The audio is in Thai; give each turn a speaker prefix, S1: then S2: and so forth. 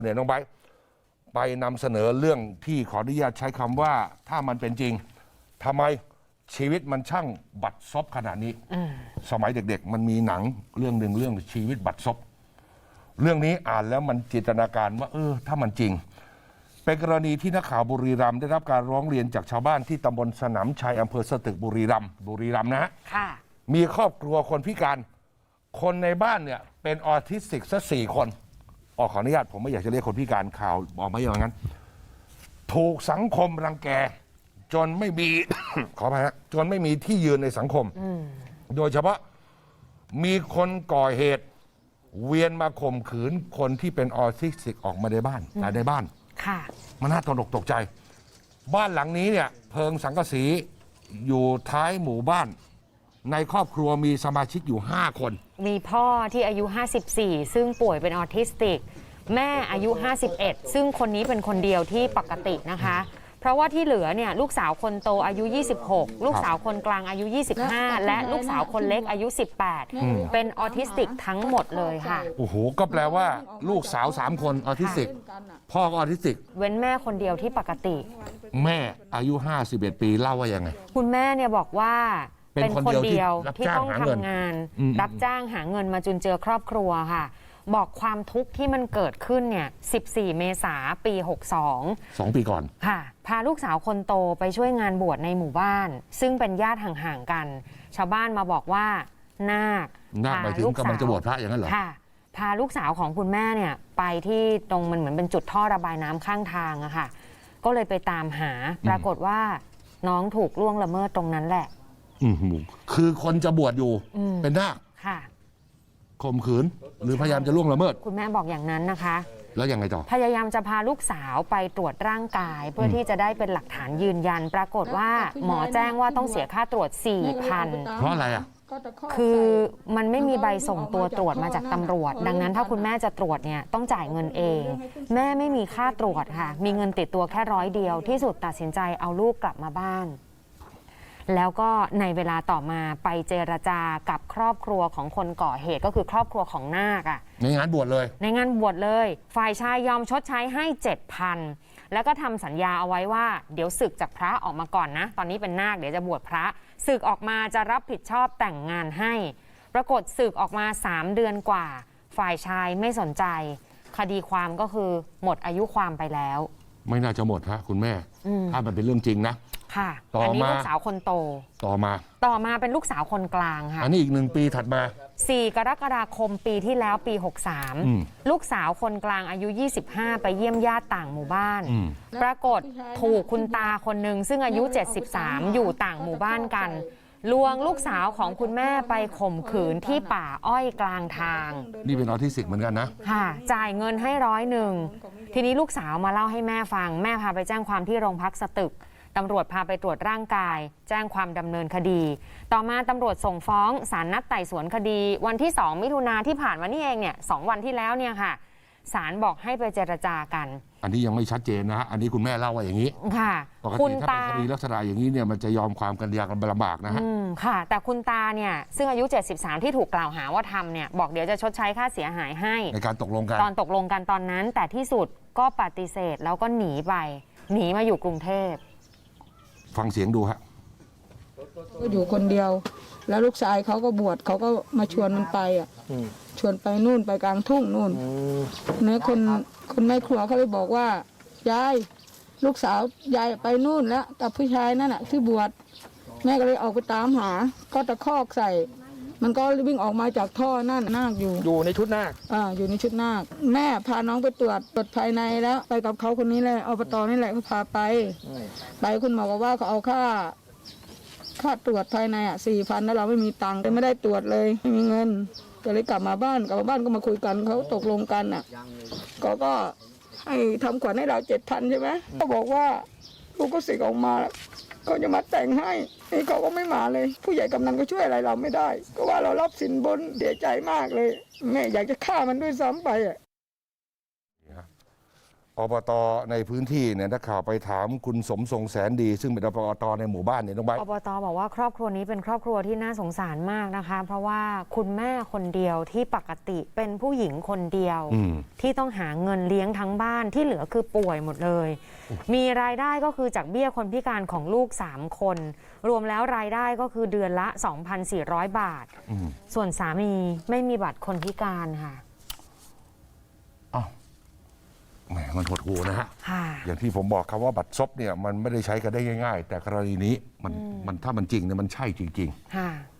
S1: เนี่ยน้องไบร์ทไปนำเสนอเรื่องที่ขออนุญาตใช้คำว่าถ้ามันเป็นจริงทำไมชีวิตมันช่างบัดซบขนาดนี้สมัยเด็กๆมันมีหนังเรื่องหนึ่งเรื่องชีวิตบัดซบเรื่องนี้อ่านแล้วมันจินตนาการว่าถ้ามันจริงเป็นกรณีที่นักข่าวบุรีรัมย์ได้รับการร้องเรียนจากชาวบ้านที่ตำบลสนามชัยอำเภอสตึกบุรีรัมย์นะฮะมีครอบครัวคนพิการคนในบ้านเนี่ยเป็นออทิสติกซะ4 คนขออนุญาตผมไม่อยากจะเรียกคนพิการข่าวบอกมาอย่างนั้นถูกสังคมรังแกจนไม่มี ขออภัยฮะจนไม่มีที่ยืนในสังคมโดยเฉพาะมีคนก่อเหตุเวียนมาข่มขืนคนที่เป็นออทิสติกออกมาในบ้านในบ้านมันน่าตกใจบ้านหลังนี้เนี่ยเพิงสังกะสีอยู่ท้ายหมู่บ้านในครอบครัวมีสมาชิกอยู่5 คน
S2: มีพ่อที่อายุ54ซึ่งป่วยเป็นออทิสติกแม่อายุ51ซึ่งคนนี้เป็นคนเดียวที่ปกตินะคะเพราะว่าที่เหลือเนี่ยลูกสาวคนโตอายุ26ลูกสาวคนกลางอายุ25และลูกสาวคนเล็กอายุ18เป็นออทิสติกทั้งหมดเลยค่ะ
S1: โอ้โหก็แปลว่าลูกสาว3 คนออทิสติกพ่อก็ออทิสติก
S2: เว้นแม่คนเดียวที่ปกติ
S1: แม่อายุ51 ปีเล่าว่ายังไง
S2: คุณแม่เนี่ยบอกว่าเป็นคนเดียวที่ต้องทำงานรับจ้างหาเงินมาจุนเจือครอบครัวค่ะบอกความทุกข์ที่มันเกิดขึ้นเนี่ย14 เมษายนปี62
S1: ปีก่อน
S2: ค่ะพาลูกสาวคนโตไปช่วยงานบวชในหมู่บ้านซึ่งเป็นญาติห่างๆกันชาวบ้านมาบอกว่านาค
S1: หมายถึงกำลังจะบวชพระอย่างนั้นเหรอ
S2: ค่ะพาลูกสาวของคุณแม่เนี่ยไปที่ตรงมันเหมือนเป็นจุดท่อระบายน้ำข้างทางอะค่ะก็เลยไปตามหาปรากฏว่าน้องถูกล่วงละเมิดตรงนั้นแหละ
S1: คือคนจะบวชอยู่เป็นนาค
S2: ค่ะ
S1: ข่มขืนหรือพยายามจะล่วงละเมิด
S2: คุณแม่บอกอย่างนั้นนะคะ
S1: แล้วยังไงต่อ
S2: พยายามจะพาลูกสาวไปตรวจร่างกายเพื่อที่จะได้เป็นหลักฐานยืนยันปรากฏว่าหมอแจ้งว่าต้องเสียค่าตรวจ 4,000
S1: เพราะอะไรอ่ะ
S2: คือมันไม่มีใบส่งตัวตรวจมาจากตำรวจดังนั้นถ้าคุณแม่จะตรวจเนี่ยต้องจ่ายเงินเองแม่ไม่มีค่าตรวจค่ะมีเงินติดตัวแค่100 เดียวที่สุดตัดสินใจเอาลูกกลับมาบ้านแล้วก็ในเวลาต่อมาไปเจรจากับครอบครัวของคนก่อเหตุก็คือครอบครัวของนาค
S1: ในงานบวชเลย
S2: ฝ่ายชายยอมชดใช้ให้ 7,000 แล้วก็ทำสัญญาเอาไว้ว่าเดี๋ยวสึกจากพระออกมาก่อนนะตอนนี้เป็นนาคเดี๋ยวจะบวชพระสึกออกมาจะรับผิดชอบแต่งงานให้ปรากฏสึกออกมา3 เดือนกว่าฝ่ายชายไม่สนใจคดีความก็คือหมดอายุความไปแล้ว
S1: ไม่น่าจะหมดฮะคุณแม่ถ้ามันเป็นเรื่องจริงนะ
S2: ค่ะอันนี้ลูกสาวคนโต
S1: ต่อมา
S2: เป็นลูกสาวคนกลางค่ะ
S1: อันนี้อีก1 ปีถัดมา
S2: 4 กรกฎาคมปีที่แล้วปี63ลูกสาวคนกลางอายุ25ไปเยี่ยมญาติต่างหมู่บ้านปรากฏถูกคุณตาคนหนึ่งซึ่งอายุ73อยู่ต่างหมู่บ้านกันลวงลูกสาวของคุณแม่ไปข่มขืนที่ป่าอ้อยกลางทาง
S1: นี่เป็นออทิสติกเหมือนกันนะ
S2: ค่ะจ่ายเงินให้101ทีนี้ลูกสาวมาเล่าให้แม่ฟังแม่พาไปแจ้งความที่โรงพักสตึกตำรวจพาไปตรวจร่างกายแจ้งความดำเนินคดีต่อมาตำรวจส่งฟ้องศาลนัดไต่สวนคดีวันที่2 มิถุนาที่ผ่านมานี่เองเนี่ย2 วันที่แล้วเนี่ยค่ะศาลบอกให้ไปเจรจากัน
S1: อันนี้ยังไม่ชัดเจนนะฮะอันนี้คุณแม่เล่าว่าอย่างนี้
S2: ค่ะ
S1: ปกติถ้าเป็นคดีลักษณะอย่างนี้เนี่ยมันจะยอมความกันยากกันลำบากนะฮะ
S2: ค่ะแต่คุณตาเนี่ยซึ่งอายุ73ที่ถูกกล่าวหาว่าทำเนี่ยบอกเดี๋ยวจะชดใช้ค่าเสียหายให้
S1: ในการตกลงกัน
S2: ตอนนั้นแต่ที่สุดก็ปฏิเสธแล้วก็หนีมาอยู่กรุงเทพ
S1: ฟังเสียงดูฮะ
S3: ก็อยู่คนเดียวแล้วลูกชายเขาก็บวชเขาก็มาชวนมันไปชวนไปนู่นไปกลางทุ่งนู่นเนี่ยคนแม่ครัวเขาเลยบอกว่ายายลูกสาวยายไปนู่นแล้วกับผู้ชายนั่นที่บวชแม่ก็เลยออกไปตามหาก็ตะคอกใส่มันก็วิ่งออกมาจากท่อนั่นนาคอยู่
S1: ในชุดนาค
S3: อยู่ในชุดนาคแม่พาน้องไปตรวจภายในแล้วไปกับเขาคนนี้แหละอบต.นี่แหละเขาพาไปคุณหมอบอกว่าเขาเอาค่าตรวจภายใน4,000แล้วเราไม่มีตังค์ไม่ได้ตรวจเลยไม่มีเงินก็เลยกลับมาบ้านก็มาคุยกันเขาตกลงกันก็ให้ทำขวัญให้เรา7,000ใช่ไหมเขาบอกว่าลูกก็สึกออกมาเขาจะมาแต่งให้นี่เขาก็ไม่มาเลยผู้ใหญ่กำนันก็ช่วยอะไรเราไม่ได้ก็ว่าเรารับสินบนเสียใจมากเลยแม่อยากจะฆ่ามันด้วยซ้ำไป
S1: อบตในพื้นที่เนี่ยนักข่าวไปถามคุณสมทรงแสนดี ซึ่งเป็นอบตในหมู่บ้านเนี่ยน้องใบร์ท
S2: อบตบอกว่าครอบครัวนี้เป็นครอบครัวที่น่าสงสารมากนะคะ เพราะว่าคุณแม่คนเดียวที่ปกติเป็นผู้หญิงคนเดียว ที่ต้องหาเงินเลี้ยงทั้งบ้านที่เหลือคือป่วยหมดเลย มีรายได้ก็คือจากเบี้ยคนพิการของลูก3คน รวมแล้วรายได้ก็คือเดือนละ 2,400 บาท ส่วนสามีไม่มีบัตรคนพิการค่ะ
S1: อ้าวแหมมันหดหูนะฮะ
S2: ค่ะ
S1: อย่างที่ผมบอกครับว่าบัตรซบเนี่ยมันไม่ได้ใช้กันได้ง่ายๆ แต่กรณีนี้มันถ้ามันจริงเนี่ยมันใช่จริง ๆ
S2: ค่ะ